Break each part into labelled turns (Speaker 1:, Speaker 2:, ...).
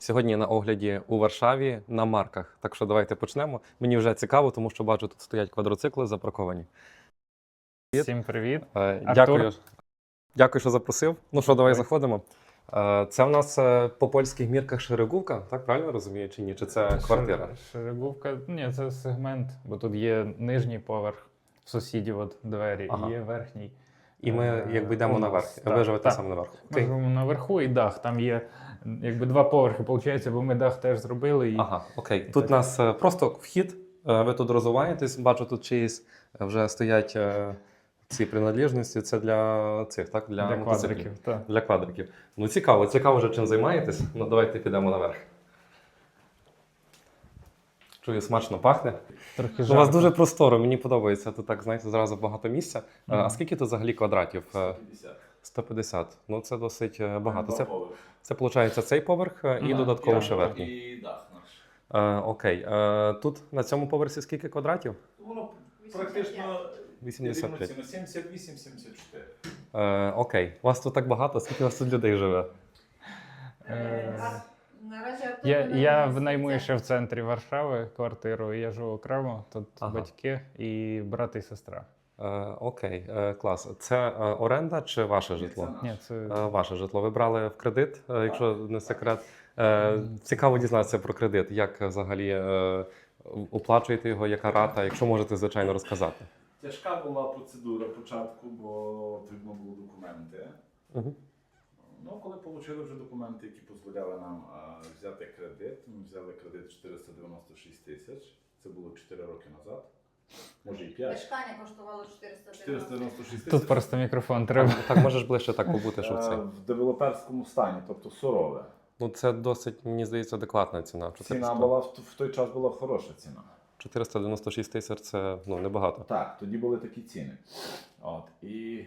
Speaker 1: Сьогодні на огляді у Варшаві на марках. Так що давайте почнемо. Мені вже цікаво, тому що бачу, тут стоять квадроцикли запарковані.
Speaker 2: Всім привіт.
Speaker 1: Дякую. Дякую, що запросив. Ну що, давай заходимо. Це в нас по польських мірках Шерегувка, так правильно розумію, чи ні? Чи це квартира?
Speaker 2: Шерегувка, ні, це сегмент, бо тут є нижній поверх, в сусідів от двері,
Speaker 1: Ага.
Speaker 2: і є верхній.
Speaker 1: І ми якби йдемо наверх. Ви живете саме наверху.
Speaker 2: Ми живемо наверху і дах, там є якби два поверхи, виходить, бо ми дах теж зробили. І...
Speaker 1: Ага, окей. Тут у нас просто вхід, ви тут розвиваєтесь, бачу, тут чиїсь вже стоять ці приналежності, це для цих, так?
Speaker 2: Для квадриків. Так.
Speaker 1: Для квадриків. Ну цікаво вже чим займаєтесь. Ну давайте підемо наверх. Чую, смачно пахне.
Speaker 2: Трохи
Speaker 1: У вас дуже просторо, мені подобається. Тут так, знаєте, зразу багато місця. А скільки тут взагалі квадратів?
Speaker 3: 150.
Speaker 1: 150. Ну це досить багато.
Speaker 3: Два поверхи.
Speaker 1: Це виходить цей поверх і додатково
Speaker 3: І
Speaker 1: ще верхній.
Speaker 3: І дах наш.
Speaker 1: Окей. Тут на цьому поверсі скільки квадратів?
Speaker 3: Воно практично
Speaker 1: 85.
Speaker 3: 78-74.
Speaker 1: Окей. У вас тут так багато, скільки у вас тут людей живе?
Speaker 2: Я винаймую ще в центрі Варшави квартиру, і я живу окремо, тут батьки і брат і сестра.
Speaker 1: Окей, клас. Це оренда чи ваше житло?
Speaker 2: Ні, це...
Speaker 1: Ваше житло. Ви брали в кредит, якщо не секрет. Цікаво дізнатися про кредит. Як взагалі оплачуєте його, яка рата, якщо можете, звичайно, розказати.
Speaker 3: Тяжка була процедура початку, бо потрібно було документи.
Speaker 1: Угу.
Speaker 3: Ну, коли отримали вже документи, які дозволяли нам взяти кредит, ми взяли кредит 496 тисяч. Це було 4 роки назад. Може і 5.
Speaker 4: Мешкання коштувало 490.
Speaker 3: 496 тисяч.
Speaker 2: Тут просто мікрофон треба.
Speaker 1: Так, можеш ближче так побути, що це.
Speaker 3: В девелоперському стані, тобто сурове.
Speaker 1: Ну, це досить, мені здається, адекватна ціна.
Speaker 3: Ціна була в той час була хороша ціна.
Speaker 1: 496 тисяч – це небагато.
Speaker 3: Так, тоді були такі ціни. От, і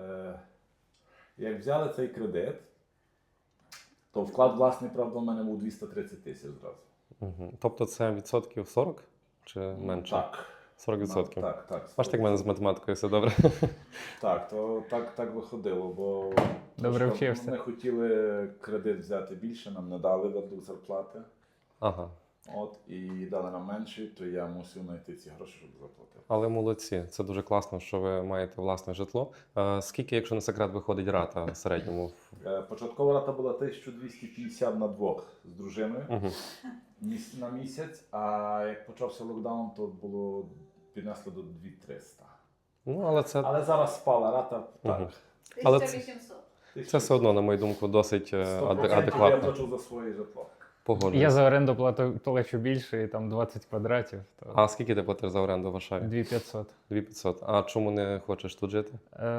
Speaker 3: як взяли цей кредит, то вклад власний, правда, у мене був 230 тисяч зразу.
Speaker 1: Угу. Тобто це відсотків 40 чи менше?
Speaker 3: Так.
Speaker 1: 40%.
Speaker 3: Так.
Speaker 1: Бачите, як в мене з математикою все добре.
Speaker 3: Так, то так виходило, бо
Speaker 2: Добре вчився.
Speaker 3: ми хотіли кредит взяти більше, нам не дали веду зарплати.
Speaker 1: Ага.
Speaker 3: От, і дали нам менше, то я мусив знайти ці гроші, щоб заплатити.
Speaker 1: Але молодці, це дуже класно, що ви маєте власне житло. Скільки, якщо не секрет, виходить рата в середньому?
Speaker 3: Початкова рата була 1250 на двох з дружиною.
Speaker 1: Угу.
Speaker 3: На місяць, а як почався локдаун, то було піднесли до 2300.
Speaker 1: Ну,
Speaker 3: Але зараз спала рата, так.
Speaker 1: Угу. Але
Speaker 4: 1800.
Speaker 1: це все одно, на мою думку, досить
Speaker 3: 100% я
Speaker 1: адекватно.
Speaker 3: плачу за своє житло.
Speaker 1: Погоджуюсь.
Speaker 2: Я за оренду плачу більше, і там 20 квадратів. То...
Speaker 1: А скільки ти платиш за оренду в Варшаві?
Speaker 2: 2500.
Speaker 1: 2500. А чому не хочеш тут жити?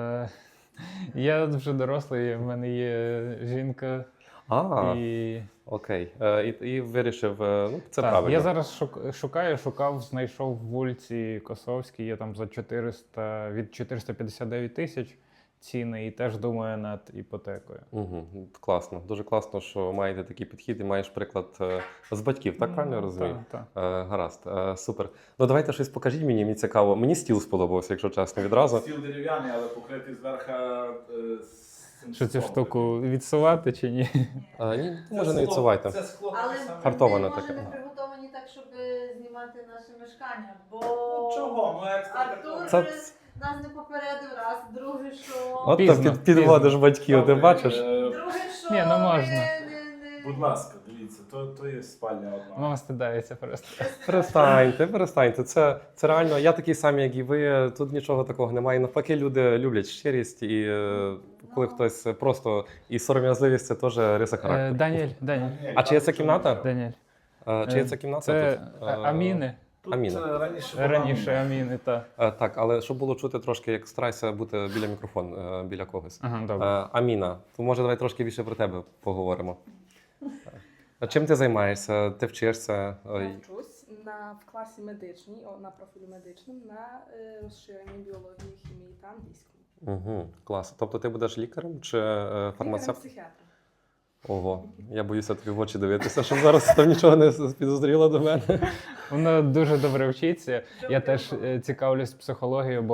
Speaker 2: Я вже дорослий, в мене є жінка. І...
Speaker 1: Окей. І вирішив, ну, це
Speaker 2: так,
Speaker 1: правильно.
Speaker 2: я зараз шукав, знайшов в вулиці Косовській, є там за 400, від 459 тисяч ціни, і теж думаю над іпотекою.
Speaker 1: Угу. Класно. Дуже класно, що маєте такий підхід і маєш приклад з батьків, так правильно я розумію?
Speaker 2: Так.
Speaker 1: Гаразд, супер. Ну давайте щось покажіть мені цікаво. Мені стіл сподобався, якщо чесно, відразу.
Speaker 3: Стіл дерев'яний, але покритий зверху
Speaker 2: Що цю штуку відсувати чи ні?
Speaker 1: Ні, може не відсувайте.
Speaker 3: Це скло
Speaker 4: Але
Speaker 3: таке саме.
Speaker 1: Фартоване
Speaker 4: вони,
Speaker 1: таке.
Speaker 4: може, не приготовані так, щоб знімати наше мешкання, бо
Speaker 3: Ну чого? Ну
Speaker 4: Артур
Speaker 1: Це-
Speaker 4: нас не попередив раз, друге, що...
Speaker 1: От
Speaker 2: Пізно,
Speaker 1: ти підводиш батьків, ти бачиш?
Speaker 4: Друге, що...
Speaker 2: Ні, ну можна.
Speaker 3: Будь ласка, дивіться, то є спальня одна.
Speaker 2: Мама стидається просто.
Speaker 1: Перестаньте. Це реально, я такий самий, як і ви. Тут нічого такого немає. Навпаки, люди люблять щирість, і коли хтось просто і сором'язливість, це теж риса характеру.
Speaker 2: Даніель.
Speaker 1: А чи є це кімната?
Speaker 2: Даніель.
Speaker 1: Чи є це кімната?
Speaker 2: Це
Speaker 1: тут?
Speaker 2: Аміни.
Speaker 3: Тут
Speaker 1: Аміна.
Speaker 2: Раніше Аміни, так.
Speaker 1: Так, але щоб було чути трошки, як старайся бути біля мікрофону, біля когось.
Speaker 2: Ага, добре.
Speaker 1: Аміна, то може давай трошки більше про тебе поговоримо. Чим ти займаєшся? Ти вчишся?
Speaker 5: Я вчусь в класі медичній, на профілі медичному, на розширенні біології, хімії та англійському.
Speaker 1: Угу, клас. Тобто ти будеш лікарем чи фармацевтом?
Speaker 5: Психіатром.
Speaker 1: Ого, я боюся тобі в очі дивитися, щоб зараз там нічого не підозріло до мене.
Speaker 2: Вона дуже добре вчиться. Я теж цікавлюсь психологією, бо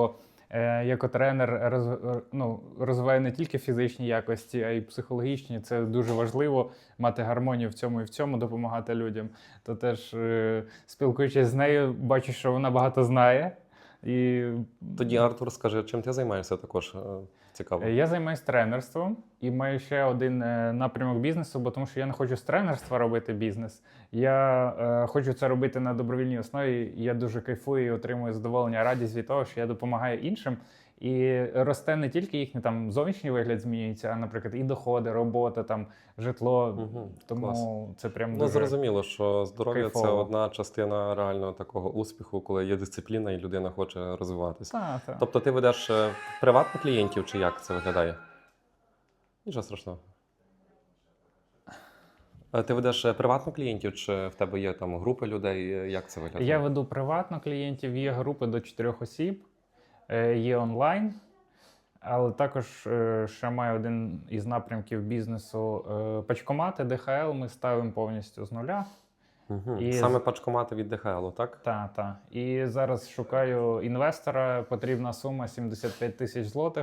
Speaker 2: як тренер розвиваю не тільки фізичні якості, а й психологічні. Це дуже важливо мати гармонію в цьому і в цьому, допомагати людям. То теж спілкуючись з нею, бачу, що вона багато знає. І
Speaker 1: Тоді, Артур, скажи, чим ти займаєшся також? Цікаво.
Speaker 2: я займаюся тренерством і маю ще один напрямок бізнесу, бо тому що я не хочу з тренерства робити бізнес. Я хочу це робити на добровільній основі. І я дуже кайфую і отримую задоволення, радість від того, що я допомагаю іншим. І росте не тільки їхній там зовнішній вигляд змінюється, а, наприклад, і доходи, робота, там житло. Тому
Speaker 1: клас.
Speaker 2: це прям
Speaker 1: Ну,
Speaker 2: дуже
Speaker 1: зрозуміло, що здоров'я це
Speaker 2: кайфово.
Speaker 1: одна частина реального такого успіху, коли є дисципліна і людина хоче розвиватися.
Speaker 2: Так.
Speaker 1: Тобто ти ведеш приватних клієнтів чи як це виглядає? Нічого страшного. Ти ведеш приватних клієнтів, чи в тебе є там групи людей? Як це виглядає?
Speaker 2: Я веду приватно клієнтів, є групи до 4 осіб, є онлайн, але також ще маю один із напрямків бізнесу пачкомати, ДХЛ ми ставимо повністю з нуля.
Speaker 1: Угу.
Speaker 2: І
Speaker 1: Саме пачкомати від ДХЛ, так?
Speaker 2: Так. І зараз шукаю інвестора, потрібна сума 75 тисяч злотих,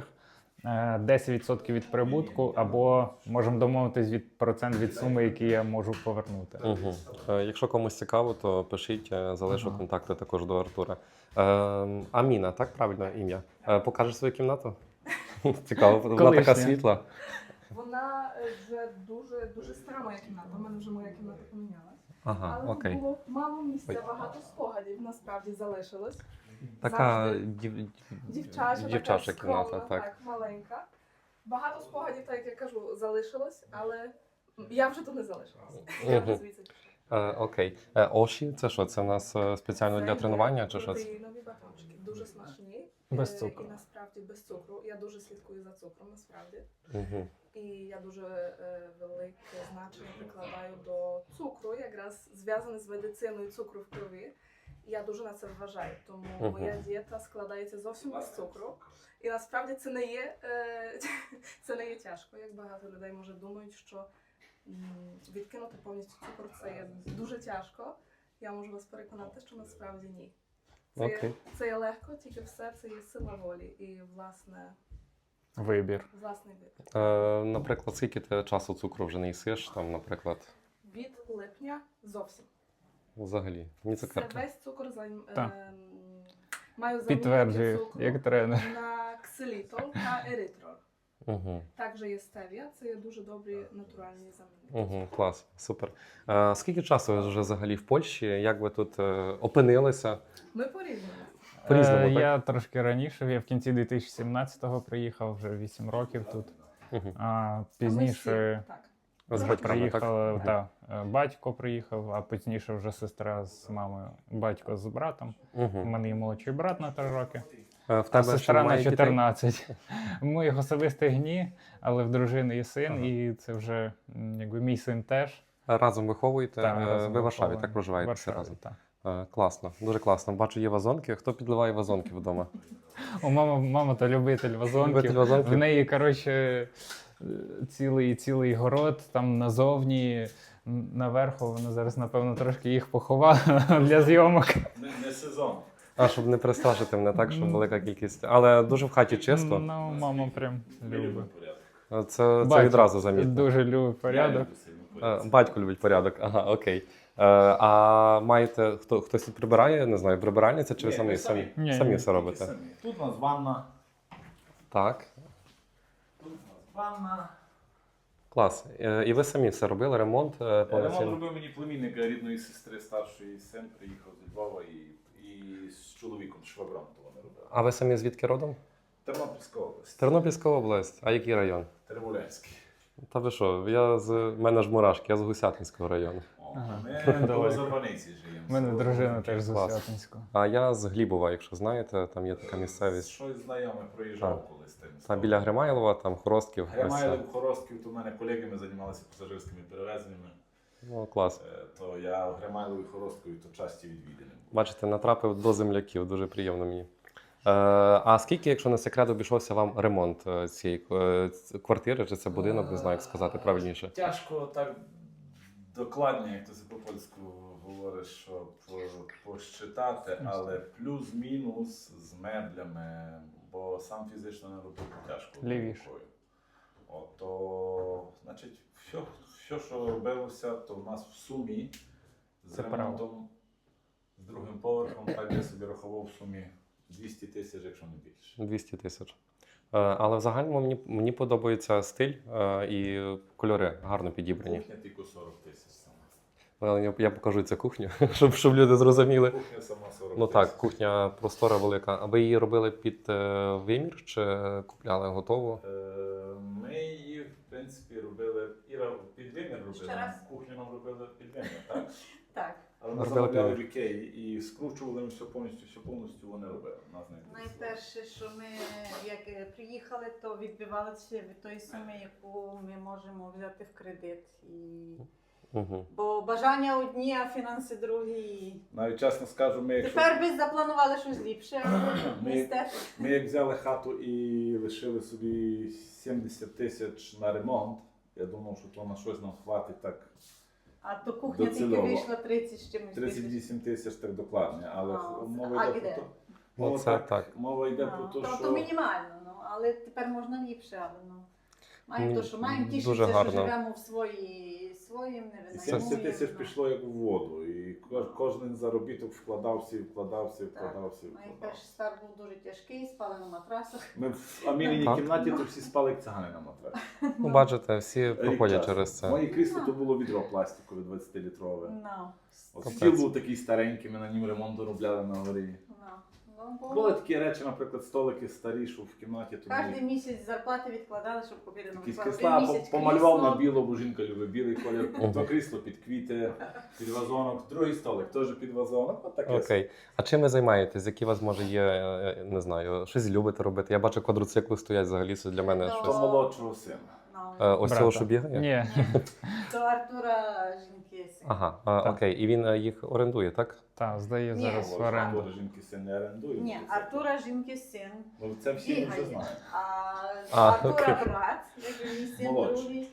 Speaker 2: 10% від прибутку, або можемо домовитись від процент від суми, які я можу повернути.
Speaker 1: Угу. Якщо комусь цікаво, то пишіть, залишу контакти також до Артура. Аміна, так правильно ім'я? Покажеш свою кімнату? Цікаво, вона така
Speaker 2: Колишня.
Speaker 1: світла.
Speaker 5: Вона вже дуже стара моя кімната. У мене вже моя кімната помінялась.
Speaker 1: Ага,
Speaker 5: Але
Speaker 1: окей.
Speaker 5: тут було мало місця,
Speaker 1: Ой.
Speaker 5: багато спогадів насправді залишилось.
Speaker 1: Така
Speaker 5: Завжди. Дівчача
Speaker 1: дівчача
Speaker 5: така
Speaker 1: кімната,
Speaker 5: скромна,
Speaker 1: так.
Speaker 5: маленька. Багато спогадів, так як я кажу, залишилось, але я вже тут не залишилась. Я вже
Speaker 1: Мгм.
Speaker 5: звідси пішла.
Speaker 1: Окей. Оші, це що? Це в нас спеціально для
Speaker 5: Це
Speaker 1: тренування чи що це?
Speaker 5: протеїнові батончики. Дуже смачні.
Speaker 2: Без цукру.
Speaker 5: І насправді без цукру. Я дуже слідкую за цукром, насправді.
Speaker 1: Угу.
Speaker 5: І я дуже велике значення прикладаю до цукру, якраз зв'язане з медициною цукру в крові. І я дуже на це вважаю. Тому моя дієта складається зовсім без цукру. І насправді це не є, це не є тяжко, як багато людей може думають, що відкинути повністю цукор це є дуже тяжко. Я можу вас переконати, що насправді ні.
Speaker 1: Окей.
Speaker 5: Це є легко, тільки все це є сила волі і
Speaker 2: Вибір.
Speaker 5: власний вибір.
Speaker 1: Наприклад, скільки ти часу цукру вже не їсиш, там, наприклад,
Speaker 5: Від липня зовсім.
Speaker 1: взагалі? Ні
Speaker 5: Це
Speaker 1: цукерки.
Speaker 5: весь цукор
Speaker 2: Так.
Speaker 5: маю замінити
Speaker 2: Підтверджую,
Speaker 5: цукру
Speaker 2: як тренер.
Speaker 5: на ксилітол та еритрол.
Speaker 1: Угу.
Speaker 5: Також є стевія, це є дуже добрі натуральні замінники.
Speaker 1: Угу, клас, супер. Скільки часу ви вже взагалі в Польщі? Як ви тут опинилися?
Speaker 5: Ми порівнюємо.
Speaker 1: По-різному, так?
Speaker 2: Я трошки раніше, я в кінці 2017-го приїхав, вже 8 років тут.
Speaker 1: Угу.
Speaker 2: А
Speaker 5: Ми
Speaker 2: пізніше
Speaker 5: всі, так.
Speaker 1: З батьками, так?
Speaker 2: приїхав, батько приїхав, а пізніше вже сестра з мамою, батько з братом. У
Speaker 1: Угу.
Speaker 2: мене є молодший брат на 3 роки,
Speaker 1: В
Speaker 2: а
Speaker 1: тебе ще
Speaker 2: сестра на
Speaker 1: немає дітей?
Speaker 2: 14. Моїх особистих ні, але в дружини є син, і це вже якби мій син теж.
Speaker 1: Разом виховуєте?
Speaker 2: Разом
Speaker 1: Ви в Варшаві,
Speaker 2: виховуємо.
Speaker 1: так проживаєте
Speaker 2: В
Speaker 1: всі
Speaker 2: Варшаві,
Speaker 1: разом?
Speaker 2: так.
Speaker 1: Класно, дуже класно. Бачу, є вазонки. Хто підливає вазонки вдома?
Speaker 2: Мама то любитель вазонків.
Speaker 1: Любитель вазонків?
Speaker 2: В неї, коротше, цілий город там назовні, наверху. Вона зараз, напевно, трошки їх поховала для зйомок.
Speaker 3: Не сезон.
Speaker 1: Щоб не пристажити мене так, щоб велика кількість. Але дуже в хаті чисто.
Speaker 2: Ну, мама прям
Speaker 3: Ми любимо
Speaker 2: любить.
Speaker 3: порядок.
Speaker 1: Це
Speaker 2: Батько
Speaker 1: відразу замітно.
Speaker 2: Дуже любить порядок.
Speaker 3: Я люблю сильно порядок.
Speaker 1: Батько любить порядок. Ага, окей. А маєте хтось тут прибирає? Не знаю, прибиральниця чи ви
Speaker 3: Ні,
Speaker 1: самі
Speaker 3: ми
Speaker 1: самі?
Speaker 2: Ні,
Speaker 1: Самі
Speaker 2: ні,
Speaker 1: все робите?
Speaker 3: Самі. Тут у нас ванна.
Speaker 1: Так,
Speaker 3: Тут у нас ванна.
Speaker 1: клас. І ви самі все робили, ремонт
Speaker 3: Ремонт
Speaker 1: повноцінно?
Speaker 3: робив мені племінника рідної сестри, старший син приїхав зі Львова і з чоловіком, з швагром то вони робили.
Speaker 1: А ви самі звідки родом?
Speaker 3: Тернопільська область.
Speaker 1: Тернопільська область. А який район?
Speaker 3: Терволенський.
Speaker 1: Та ви що? В мене ж мурашки, я з Гусятинського району.
Speaker 2: Ага.
Speaker 3: Ми
Speaker 2: Далеко.
Speaker 3: до Зарваниці живемо.
Speaker 2: У мене дружина теж з
Speaker 1: Клас.
Speaker 2: Освятинського.
Speaker 1: А я з Глібова, якщо знаєте, там є така місцевість.
Speaker 3: Щось знайоме проїжджав
Speaker 1: Так.
Speaker 3: колись тим.
Speaker 1: Та біля Гримайлова, там Хоростків. ось
Speaker 3: Гримайло,
Speaker 1: це.
Speaker 3: Хоростків, то в мене колеги, ми займалися пасажирськими перевезеннями.
Speaker 1: Ну, клас.
Speaker 3: То я в Гримайлові Хоросткові то часті відвідини.
Speaker 1: Бачите, натрапив до земляків, дуже приємно мені. А скільки, якщо не секрет, обійшовся вам ремонт цієї квартири, чи це будинок, не знаю, як сказати правильніше?
Speaker 3: Тяжко так докладно, як то це по-польську говориш, щоб посчитати, але плюс-мінус з меблями бо сам фізично не робив тяжко.
Speaker 2: Лівіше.
Speaker 3: рукою. От, то, значить, все, що робилося, то в нас в сумі з
Speaker 2: Це право.
Speaker 3: ремонтом, з другим поверхом, так я собі рахував в сумі 200 тисяч, якщо не більше.
Speaker 1: 200 тисяч. Але в загальному мені подобається стиль і кольори гарно підібрані.
Speaker 3: Кухня тільки 40 тисяч сама.
Speaker 1: Я покажу цю кухню, щоб люди зрозуміли.
Speaker 3: Кухня сама 40
Speaker 1: Ну
Speaker 3: тисяч.
Speaker 1: так, кухня простора велика. А ви її робили під вимір чи купляли готову?
Speaker 3: Ми її, в принципі, робили, Іра під вимір
Speaker 4: Ще
Speaker 3: робила,
Speaker 4: раз.
Speaker 3: кухню нам робили під вимір, так?
Speaker 4: Так.
Speaker 3: Але ми
Speaker 1: Робили
Speaker 3: замовляли
Speaker 1: під
Speaker 3: в Ікеї і скручували ми все повністю вони робили. Нас не інтересувало.
Speaker 4: Найперше, що ми як приїхали, то відбивалися від тої суми, яку ми можемо взяти в кредит.
Speaker 1: Угу.
Speaker 4: Бо бажання одні, а фінанси другі.
Speaker 3: Навіть чесно скажу, ми якщо...
Speaker 4: Тепер би запланували щось ліпше.
Speaker 3: Ми-
Speaker 4: Містер.
Speaker 3: Ми як взяли хату і лишили собі 70 тисяч на ремонт, я думав, що то на щось нам хватить так
Speaker 4: А то кухня тільки
Speaker 3: Доцільово.
Speaker 4: вийшла 30 з чимось.
Speaker 3: 38 тисяч так докладно, але
Speaker 4: А,
Speaker 3: мова
Speaker 4: а
Speaker 3: йде
Speaker 4: де?
Speaker 3: про то.
Speaker 1: Ну,
Speaker 3: Мова,
Speaker 1: це так.
Speaker 3: мова йде про те,
Speaker 4: То
Speaker 3: що
Speaker 4: мінімально, ну, але тепер можна ліпше, але ну. Маємо
Speaker 1: Ні,
Speaker 4: то, що маємо
Speaker 1: дуже
Speaker 4: тішитися,
Speaker 1: гарно.
Speaker 4: що живемо в своїм, не
Speaker 3: і 70 тисяч
Speaker 4: винаймуємо.
Speaker 3: пішло як в воду, і кожен заробіток вкладався, вкладався.
Speaker 4: Найперший старт був дуже тяжкий, спали на матрасах.
Speaker 3: Ми в Аміліній
Speaker 1: Так.
Speaker 3: кімнаті то всі спали як цигани на матрасі.
Speaker 1: Ну, бачите, всі
Speaker 3: Рік
Speaker 1: проходять
Speaker 3: часу.
Speaker 1: через це.
Speaker 3: Моє крісло то було відро пластикове 20-літрове.
Speaker 4: Ну,
Speaker 3: От
Speaker 1: Капець.
Speaker 3: стіл був такий старенький, ми на ньому ремонт робляли на горі.
Speaker 4: ну,
Speaker 3: Були такі речі, наприклад, столики старі, що в кімнаті то
Speaker 4: Кожен місяць зарплати відкладали, щоб купити нову
Speaker 3: якісь
Speaker 4: квартиру.
Speaker 3: крісла,
Speaker 4: Місяць
Speaker 3: помалював
Speaker 4: крісло.
Speaker 3: на біло, бо жінка любить білий колір.
Speaker 1: Мгм.
Speaker 3: То крісло під квіти, під вазонок, другий столик теж під вазонок. От таке.
Speaker 1: Окей. А чим ви займаєтесь? Які у вас може є, не знаю, щось любите робити? Я бачу, квадроцикли стоять взагалі, це для мене
Speaker 4: Ну,
Speaker 1: щось.
Speaker 3: То молодшого сина.
Speaker 4: Ну,
Speaker 1: Ось
Speaker 2: Брата.
Speaker 1: цього, що бігає?
Speaker 2: Ні.
Speaker 4: до Артура жінки син.
Speaker 1: Ага,
Speaker 2: Так.
Speaker 1: окей. І він їх орендує, так?
Speaker 2: Так, здає
Speaker 4: Ні.
Speaker 2: зараз в оренду.
Speaker 3: Артура жінки син не орендує.
Speaker 4: Ні,
Speaker 3: це-
Speaker 4: Артура жінки син.
Speaker 3: Ну, це всі ми вже
Speaker 4: Бігає.
Speaker 3: знаємо.
Speaker 4: А
Speaker 1: окей.
Speaker 4: Артура брат, як мій син
Speaker 3: Молодший.
Speaker 4: другий,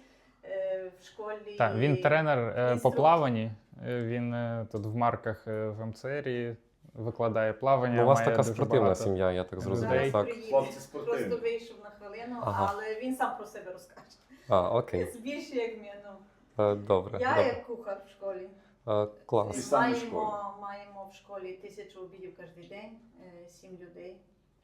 Speaker 4: в школі.
Speaker 2: Так, він тренер по
Speaker 4: інструктор.
Speaker 2: плаванні. Він тут в марках в МЦРі викладає плавання.
Speaker 1: Ну, у вас
Speaker 2: має
Speaker 1: така
Speaker 2: дуже
Speaker 1: спортивна
Speaker 2: багато.
Speaker 1: сім'я, я так зрозумів,
Speaker 2: людей.
Speaker 4: Зараз
Speaker 1: так?
Speaker 4: приїде.
Speaker 3: Хлопці спортивні.
Speaker 4: Просто вийшов на хвилину,
Speaker 1: Ага.
Speaker 4: але він сам про себе розкаже.
Speaker 1: А, окей.
Speaker 4: Більше як мені. Ну.
Speaker 1: Добре.
Speaker 4: Я
Speaker 1: добре.
Speaker 4: як кухар в школі.
Speaker 3: І
Speaker 1: Клас.
Speaker 3: сам в школі.
Speaker 4: Маємо в школі 1000 обідів кожен день, 7 людей.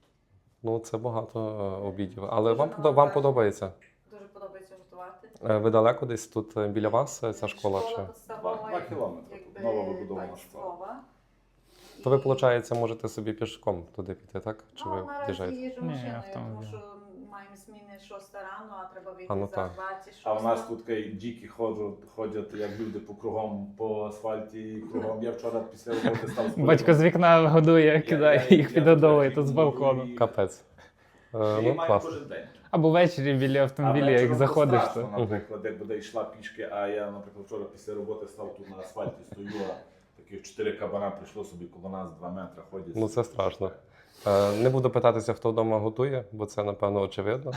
Speaker 1: Ну, це багато обідів. Але
Speaker 4: Дуже
Speaker 1: вам
Speaker 4: навантажено.
Speaker 1: подобається?
Speaker 4: Дуже подобається готувати.
Speaker 1: Ви далеко десь тут біля вас ця школа? Чи?
Speaker 4: підставова,
Speaker 3: 2 кілометри.
Speaker 4: якби,
Speaker 3: Нова вибудована школа.
Speaker 4: państwowa.
Speaker 1: То ви,
Speaker 4: І-
Speaker 1: виходить, можете собі пішком туди піти, так? Чи
Speaker 4: Ну,
Speaker 1: ви
Speaker 4: наразі
Speaker 1: в'їжджаєте?
Speaker 4: їжджу
Speaker 2: Ні,
Speaker 4: машиною, тому
Speaker 2: автомобілем.
Speaker 4: що маємо зміни 6 рано, а треба вийти
Speaker 1: А, ну
Speaker 4: за
Speaker 1: так.
Speaker 4: 26.
Speaker 3: А в нас тут діки ходять, як люди по кругом, по асфальті, кругом. Я вчора після роботи став з
Speaker 2: Батько з вікна годує, кидає їх підгодовує тут з балкону.
Speaker 1: Капець.
Speaker 3: Я
Speaker 1: Ну,
Speaker 3: маю
Speaker 1: класно.
Speaker 3: кожен день.
Speaker 2: Або ввечері біля автомобіля,
Speaker 3: А
Speaker 2: як
Speaker 3: вечором
Speaker 2: заходиш,
Speaker 3: страшно,
Speaker 2: то
Speaker 3: наприклад, як буде йшла пішки, а я, наприклад, вчора після роботи став тут на асфальті, стою, а таких 4 кабана прийшло собі коло нас 2 метри ходять.
Speaker 1: Ну, це страшно. Не буду питатися, хто вдома готує, бо це, напевно, очевидно.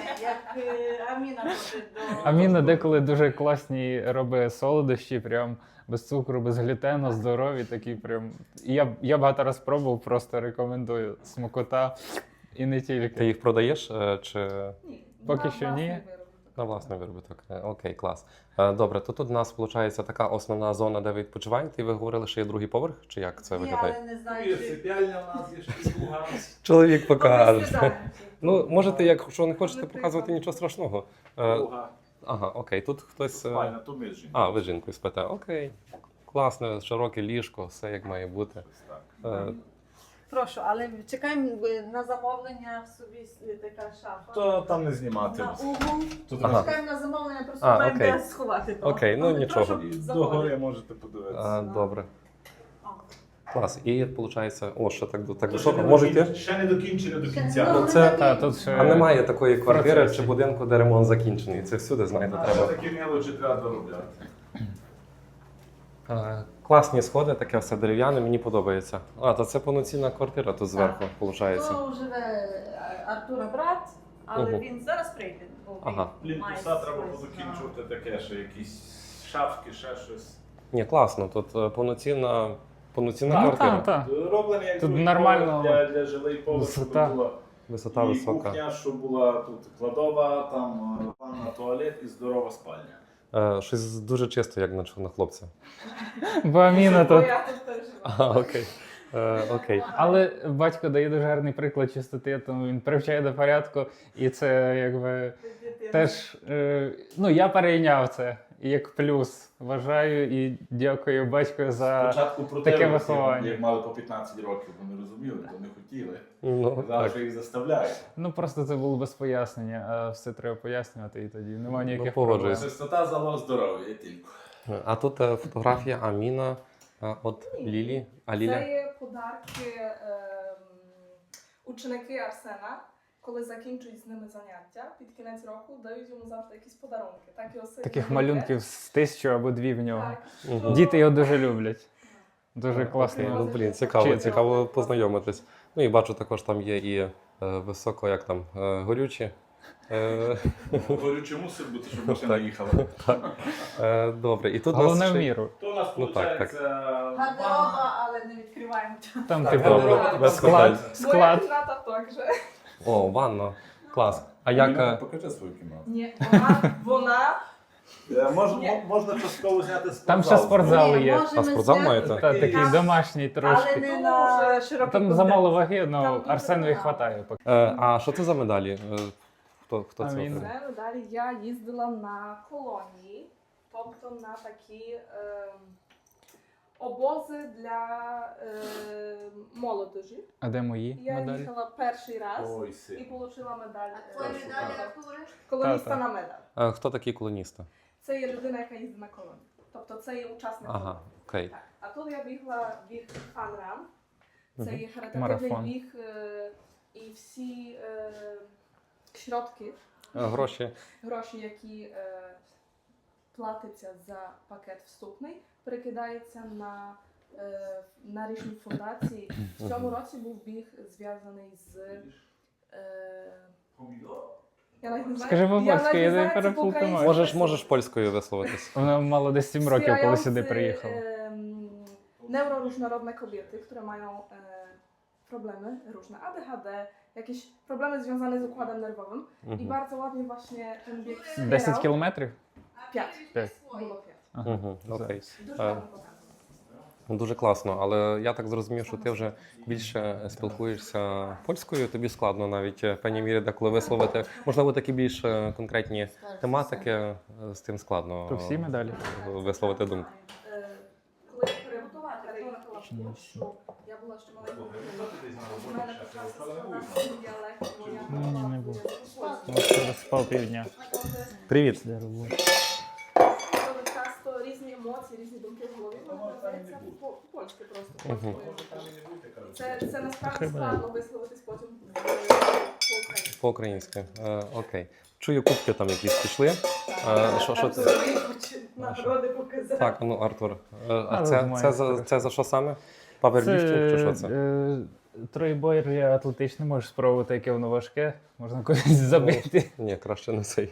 Speaker 4: Як Аміна ходить до...
Speaker 2: Аміна деколи дуже класні робить солодощі, прям без цукру, без глютену, здорові такі прям. І я багато раз пробував, просто рекомендую. Смакота і не
Speaker 1: Ти
Speaker 2: тільки.
Speaker 1: їх продаєш чи
Speaker 4: Ні,
Speaker 2: Поки
Speaker 4: на
Speaker 2: що
Speaker 4: власний
Speaker 2: ні.
Speaker 4: виробник.
Speaker 1: на власний виробіток? Окей, клас. Добре, то тут у нас виходить така основна зона, де ви відпочиваєте, і ви говорили, що є другий поверх, чи як це
Speaker 4: Ні,
Speaker 1: виглядає?
Speaker 4: але не
Speaker 3: Є
Speaker 4: знаю, чи...
Speaker 3: сипяльня у нас, є штука.
Speaker 1: Чоловік
Speaker 4: Ми
Speaker 1: покаже.
Speaker 4: сідаємо.
Speaker 1: Ну, можете, якщо не хочете
Speaker 4: Але
Speaker 1: показувати,
Speaker 4: прикольно.
Speaker 1: нічого страшного.
Speaker 3: Друга.
Speaker 1: Ага, окей, тут хтось.
Speaker 3: Спальня, то ми з жінкою.
Speaker 1: А, ви з жінкою спите. Окей. Класне, широке ліжко, все як має бути.
Speaker 3: Щось так.
Speaker 4: Прошу, але чекаємо на замовлення в собі така шафа.
Speaker 3: То там не знімати.
Speaker 4: На угол.
Speaker 3: Тут
Speaker 1: Ага.
Speaker 4: Чекаємо на замовлення, просто
Speaker 1: А,
Speaker 4: маємо
Speaker 1: окей.
Speaker 4: де сховати. то.
Speaker 1: Окей, ну,
Speaker 4: Але
Speaker 1: нічого.
Speaker 4: прошу,
Speaker 3: І
Speaker 4: заходимо.
Speaker 3: догори можете подивитися.
Speaker 1: Добре.
Speaker 4: О.
Speaker 1: Клас. І виходить, о, ще так
Speaker 3: Ще
Speaker 1: високо.
Speaker 3: не
Speaker 1: Можете?
Speaker 3: Ще не докінчено до
Speaker 4: Ще-
Speaker 3: кінця.
Speaker 4: ну,
Speaker 1: Ну, це-
Speaker 4: не
Speaker 2: Та,
Speaker 4: так.
Speaker 2: тут ще
Speaker 1: А немає такої квартири
Speaker 2: процесі.
Speaker 1: чи будинку, де ремонт закінчений. Це всюди, знаєте,
Speaker 3: А ще
Speaker 1: треба.
Speaker 3: такі мелочі треба доробляти.
Speaker 1: Класні сходи, таке все дерев'яне, мені подобається. А, то це повноцінна квартира тут зверху, виходить.
Speaker 4: То живе Артура брат, але
Speaker 1: Мгм.
Speaker 4: він зараз прийде. Бо він
Speaker 1: Ага.
Speaker 3: Блін,
Speaker 4: має
Speaker 3: туса треба
Speaker 4: свої
Speaker 3: подокінчувати таке, що якісь шафки, ще щось.
Speaker 1: Ні, класно, тут повноцінна
Speaker 2: Ну,
Speaker 1: квартира.
Speaker 2: так.
Speaker 3: Роблений як
Speaker 2: Тут
Speaker 3: другий
Speaker 2: нормально.
Speaker 3: поверх для жилий поверх, щоб
Speaker 2: Висота.
Speaker 3: було
Speaker 1: Висота
Speaker 3: і
Speaker 1: висока.
Speaker 3: кухня, що була тут кладова, там ванна, туалет і здорова спальня.
Speaker 1: Щось дуже чисто, як на чорнохлопця.
Speaker 2: Бо Аміна
Speaker 5: Бо
Speaker 2: тут.
Speaker 5: я тут теж живу.
Speaker 1: А, окей. Окей.
Speaker 2: Але батько дає дуже гарний приклад чистоти, тому він привчає до порядку, і це якби теж. Ну, я перейняв це як плюс. Вважаю і дякую батьку за.
Speaker 3: Спочатку
Speaker 2: таке
Speaker 3: проти
Speaker 2: виховання.
Speaker 3: як мали по 15 років, вони розуміли, то не хотіли.
Speaker 1: Ну,
Speaker 3: Казали,
Speaker 1: так.
Speaker 3: що їх заставляють.
Speaker 2: Ну просто це було без пояснення, а все треба пояснювати, і тоді немає ніяких
Speaker 1: погоджуюсь.
Speaker 2: проблем.
Speaker 3: Чистота залог здоров'я тільки.
Speaker 1: А тут фотографія Аміна от Лілі. А Ліля?
Speaker 5: Це є подарки ученики Арсена, коли закінчують з ними заняття, під кінець року дають йому завжди якісь подарунки. Так його сильно
Speaker 2: Таких
Speaker 5: люблять.
Speaker 2: малюнків з 1000 або 2 в нього.
Speaker 5: Так.
Speaker 1: Мгм.
Speaker 2: Діти його дуже люблять. Дуже
Speaker 1: Окей,
Speaker 2: класно.
Speaker 1: ну, блін, цікаво,
Speaker 2: Чи-
Speaker 1: цікаво познайомитись. Ну і бачу, також там є і високо, як там, горючі.
Speaker 3: Горючий мусить бути, щоб машина
Speaker 1: Так.
Speaker 3: їхала.
Speaker 1: Добре, і тут у нас
Speaker 2: Головне в
Speaker 1: ще-
Speaker 2: міру.
Speaker 3: То у нас
Speaker 1: Ну, так,
Speaker 3: виходить
Speaker 4: Гардероба, але не відкриваємо.
Speaker 2: Там
Speaker 3: Так,
Speaker 2: типу
Speaker 3: гардероб,
Speaker 1: без
Speaker 2: склад.
Speaker 1: питань.
Speaker 5: Моя
Speaker 2: Склад.
Speaker 5: кімната також.
Speaker 1: О, ванна. Клас. А як...
Speaker 3: Покажи свою кімнату.
Speaker 5: Ні, вона
Speaker 3: Можна частково зняти спортзал.
Speaker 2: Там ще спортзал
Speaker 4: Ні,
Speaker 2: є.
Speaker 4: можемо
Speaker 1: А спортзал
Speaker 4: зняти,
Speaker 1: маєте?
Speaker 2: Та такий домашній
Speaker 4: але
Speaker 2: трошки.
Speaker 4: не на широкий
Speaker 2: Там
Speaker 4: контекст.
Speaker 2: замало ваги,
Speaker 5: Там
Speaker 2: але
Speaker 5: дуже
Speaker 2: Арсенові
Speaker 5: багато.
Speaker 2: хватає поки.
Speaker 1: А що це за медалі? Хто
Speaker 2: А
Speaker 1: це?
Speaker 2: він-
Speaker 1: отримав?
Speaker 5: це далі я їздила на колонії, тобто на такі обози для молодежі.
Speaker 2: А де мої
Speaker 5: Я
Speaker 2: медалі?
Speaker 5: їхала перший раз
Speaker 3: Ой,
Speaker 5: і
Speaker 3: син.
Speaker 5: отримала медаль.
Speaker 4: Твої
Speaker 3: Перший
Speaker 4: медалі
Speaker 3: клас.
Speaker 4: рахуєш?
Speaker 5: Колоніста
Speaker 2: Та-та.
Speaker 5: на медаль.
Speaker 1: Хто такі колоністи?
Speaker 5: Це є людина, яка їздить на колонії. Тобто це є учасник
Speaker 1: Ага,
Speaker 5: колонії.
Speaker 1: окей.
Speaker 5: Так. А тут я бігла біг фан-ран. Це
Speaker 1: Мгм.
Speaker 5: є харитативний
Speaker 2: Марафон.
Speaker 5: біг і всі środki,
Speaker 1: Гроші.
Speaker 5: гроші, які платяться за пакет вступний, перекидається на різні фундації. В цьому році був біг зв'язаний з я навіть не знаю.
Speaker 2: Скажи по-польськи, я не
Speaker 5: знаю, це
Speaker 2: переплутаю.
Speaker 5: по-українськи.
Speaker 1: Можеш польською висловитись.
Speaker 2: Вона мало десь 7 років, коли сюди
Speaker 5: Wspierający,
Speaker 2: приїхала.
Speaker 5: Neuroróżnorodne kobiety, które mają problemy różne, ADHD, jakieś problemy związane z układem nerwowym i
Speaker 1: Мгм.
Speaker 5: bardzo ładnie właśnie ten bieg
Speaker 2: 10
Speaker 5: wspierał.
Speaker 2: кілометрів?
Speaker 5: 5.
Speaker 2: П'ять.
Speaker 5: Було 5.
Speaker 2: Ага.
Speaker 1: Мгм, окей.
Speaker 5: Дуже гарно показано.
Speaker 1: Дуже класно, але я так зрозумів, що ти вже більше спілкуєшся польською, тобі складно навіть в певній мірі деколи висловити. Можливо, такі більш конкретні тематики, з тим складно
Speaker 2: То всі медалі?
Speaker 1: висловити думку.
Speaker 5: Коли я перебувала що я була ще маленькою дитиною, у мене почався складати діалект, бо я
Speaker 2: Ні, не
Speaker 5: говорила
Speaker 2: було.
Speaker 5: польською.
Speaker 2: Може, спав півдня.
Speaker 1: Привіт.
Speaker 2: Для роботи.
Speaker 5: Дуже часто різні емоції, різні думки в голові виражаються по-польськи просто.
Speaker 1: Мгм.
Speaker 5: Це насправді
Speaker 2: Хіба
Speaker 5: складно висловитись потім по-українськи.
Speaker 1: По-українськи. Окей. Чую, кубки там якісь пішли. Що це?
Speaker 4: Нагороди показати.
Speaker 1: Так, ну Артур. А
Speaker 2: Але
Speaker 1: це
Speaker 2: знаю,
Speaker 1: це за що саме? Паверліфтинг чи що це?
Speaker 2: Тройбойр є атлетичний, можеш спробувати, яке воно важке, можна когось забити.
Speaker 1: Ні, краще не цей.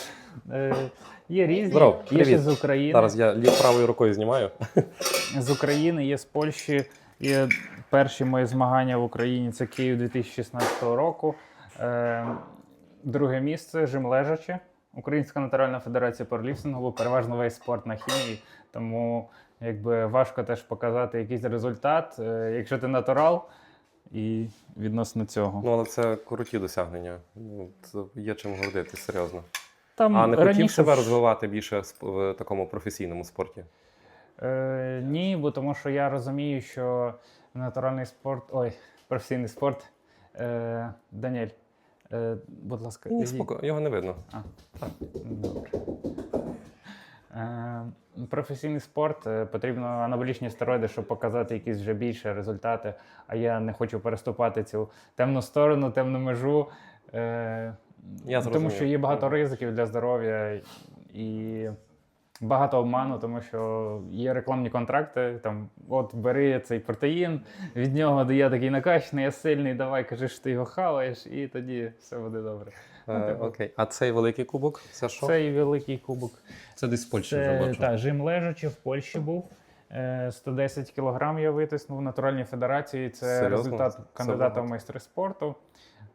Speaker 2: Є різні,
Speaker 1: Здоров,
Speaker 2: є ще
Speaker 1: привіт.
Speaker 2: з України.
Speaker 1: Зараз я правою рукою знімаю.
Speaker 2: З України, є з Польщі. Є перші мої змагання в Україні, це Київ 2016 року. Друге місце жим лежачи. Українська національна федерація пауерліфтингу, переважно весь спорт на хімії, тому якби важко теж показати якийсь результат, якщо ти натурал, і відносно цього.
Speaker 1: Ну, але це круті досягнення. Ну, це є чим гордитись, серйозно.
Speaker 2: Там
Speaker 1: А не хотів
Speaker 2: раніше
Speaker 1: себе
Speaker 2: ж-
Speaker 1: розвивати більше в такому професійному спорті?
Speaker 2: Ні, бо тому що я розумію, що натуральний спорт, професійний спорт, Даніель, будь ласка,
Speaker 1: Ні,
Speaker 2: ідіть.
Speaker 1: його не видно.
Speaker 2: Добре. Професійний спорт потрібно анаболічні стероїди, щоб показати якісь вже більше результати. А я не хочу переступати цю темну сторону, темну межу. Тому
Speaker 1: зрозумів.
Speaker 2: що є багато ризиків для здоров'я і багато обману, тому що є рекламні контракти. Там, от бери цей протеїн, від нього я такий накачаний, я сильний, давай кажи, що ти його хаваєш, і тоді все буде добре.
Speaker 1: Окей. А цей великий кубок? Це що?
Speaker 2: Цей великий кубок.
Speaker 1: Це десь в Польщі вже
Speaker 2: Це
Speaker 1: бачу.
Speaker 2: жим лежачи в Польщі був. 110 кілограм я витиснув в натуральній федерації. Це
Speaker 1: Серйозно?
Speaker 2: результат
Speaker 1: Це
Speaker 2: кандидата
Speaker 1: багато.
Speaker 2: в майстри спорту.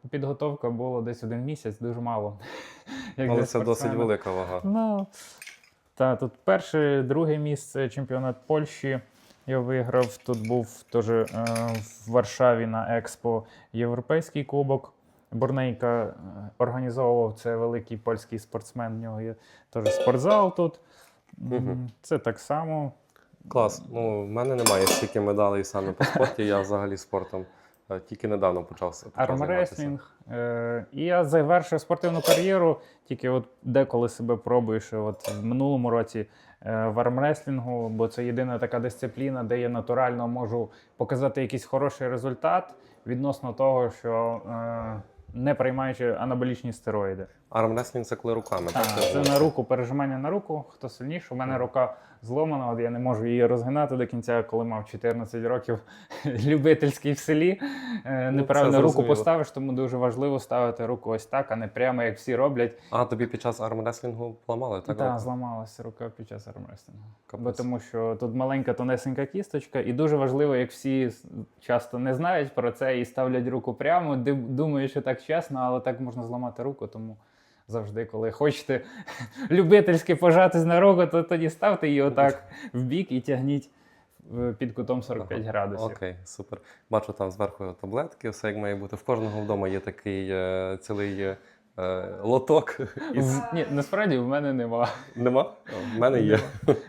Speaker 2: Підготовка була десь 1 місяць, дуже мало. Як
Speaker 1: Але
Speaker 2: для
Speaker 1: це досить
Speaker 2: спортсмена.
Speaker 1: велика вага.
Speaker 2: Ну, та, тут перше, друге місце, чемпіонат Польщі. Я виграв. Тут був теж в Варшаві на Експо Європейський кубок. Борнейка організовував, це великий польський спортсмен. В нього є теж спортзал тут. Це так само.
Speaker 1: Клас. Ну, в мене немає стільки медалей саме по спорті, я взагалі спортом тільки недавно почав займатися.
Speaker 2: Армреслінг. І я завершив спортивну кар'єру, тільки от деколи себе пробуєш. От в минулому році в армреслінгу, бо це єдина така дисципліна, де я натурально можу показати якийсь хороший результат відносно того, що не приймаючи анаболічні стероїди.
Speaker 1: Армреслінг це коли руками, так?
Speaker 2: Це на руку, пережимання на руку, хто сильніше. У мене рука зломана, от я не можу її розгинати до кінця, коли мав 14 років, любительський в селі. Неправильно руку
Speaker 1: зрозуміло.
Speaker 2: поставиш, тому дуже важливо ставити руку ось так, а не прямо, як всі роблять.
Speaker 1: А тобі під час армреслінгу поламали, так?
Speaker 2: Так, зламалася рука під час армреслінгу.
Speaker 1: Капець.
Speaker 2: Бо тому що тут маленька тонесенька кісточка, і дуже важливо, як всі часто не знають про це і ставлять руку прямо, думають, що так чесно, але так можна зламати руку, тому завжди, коли хочете любительськи пожатись на руку, то тоді ставте її отак в бік і тягніть під кутом 45 градусів.
Speaker 1: Окей, супер. Бачу там зверху таблетки, все як має бути. В кожного вдома є такий цілий лоток.
Speaker 2: Ні, насправді в мене нема.
Speaker 1: Нема? В мене є.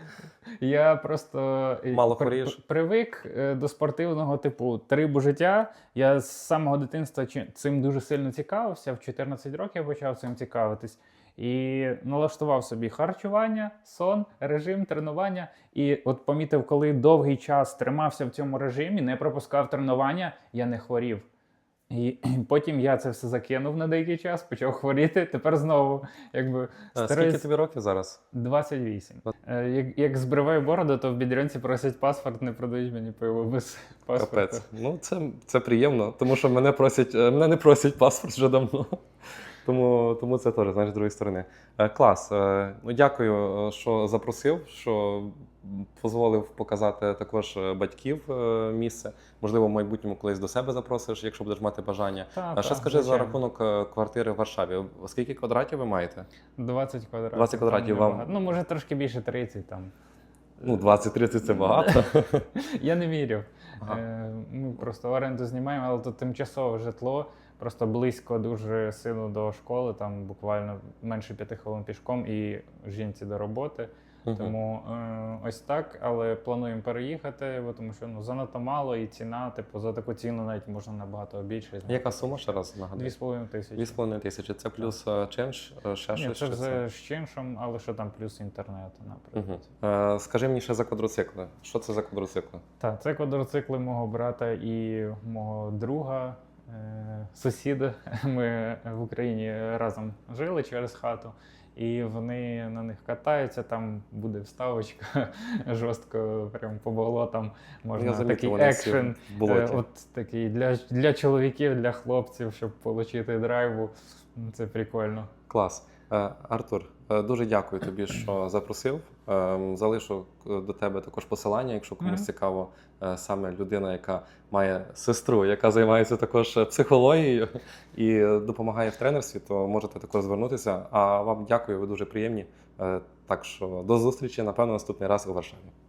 Speaker 2: Я просто
Speaker 1: Мало хворієш?
Speaker 2: привик до спортивного типу трибу життя. Я з самого дитинства цим дуже сильно цікавився. В 14 років я почав цим цікавитись. І налаштував собі харчування, сон, режим, тренування. І от помітив, коли довгий час тримався в цьому режимі, не пропускав тренування, я не хворів. І потім я це все закинув на деякий час, почав хворіти, тепер знову якби
Speaker 1: Скільки тобі років зараз?
Speaker 2: 28. Як збриваю бороду, то в Бідрянці просять паспорт, не продають мені пиво без паспорта.
Speaker 1: Капець. Ну, це приємно, тому що мене не просять паспорт вже давно. Тому це теж, знаєш, з другої сторони. Клас. Ну, дякую, що запросив, що дозволив показати також батьків місце. Можливо, в майбутньому колись до себе запросиш, якщо будеш мати бажання. Ще скажи за рахунок квартири в Варшаві. Скільки квадратів ви маєте?
Speaker 2: 20 квадратів.
Speaker 1: 20 квадратів
Speaker 2: Там
Speaker 1: вам?
Speaker 2: небагато. Ну, може, трошки більше 30 там.
Speaker 1: Ну, 20-30 це багато.
Speaker 2: Я не міряв.
Speaker 1: Ага.
Speaker 2: Ми просто оренду знімаємо, але тут тимчасове житло, просто близько дуже сину до школи, там буквально менше 5 хвилин пішком і жінці до роботи. Тому ось так, але плануємо переїхати, бо тому що занадто мало і ціна, типу, за таку ціну навіть можна набагато більше.
Speaker 1: Яка сума ще раз нагадую?
Speaker 2: 2,5 тисячі.
Speaker 1: 2,5 тисячі. Це плюс чинш, ще
Speaker 2: Ні,
Speaker 1: щось?
Speaker 2: це
Speaker 1: чи
Speaker 2: вже з чиншом, але що там плюс інтернет, наприклад.
Speaker 1: Скажи мені ще за квадроцикли. Що це за квадроцикли?
Speaker 2: Так, це квадроцикли мого брата і мого друга, сусіда. Ми в Україні разом жили через хату. І вони на них катаються, там буде вставочка жорстко, прям по болотам. Можна
Speaker 1: Я замітив,
Speaker 2: такий
Speaker 1: вони всі
Speaker 2: екшен,
Speaker 1: в болоті.
Speaker 2: от такий для чоловіків, для хлопців, щоб отримати драйву. Це прикольно.
Speaker 1: Клас. Артур, дуже дякую тобі, що запросив. Залишу до тебе також посилання, якщо комусь цікаво, саме людина, яка має сестру, яка займається також психологією і допомагає в тренерстві, то можете також звернутися. А вам дякую, ви дуже приємні. Так що до зустрічі, напевно, наступний раз у Варшаві.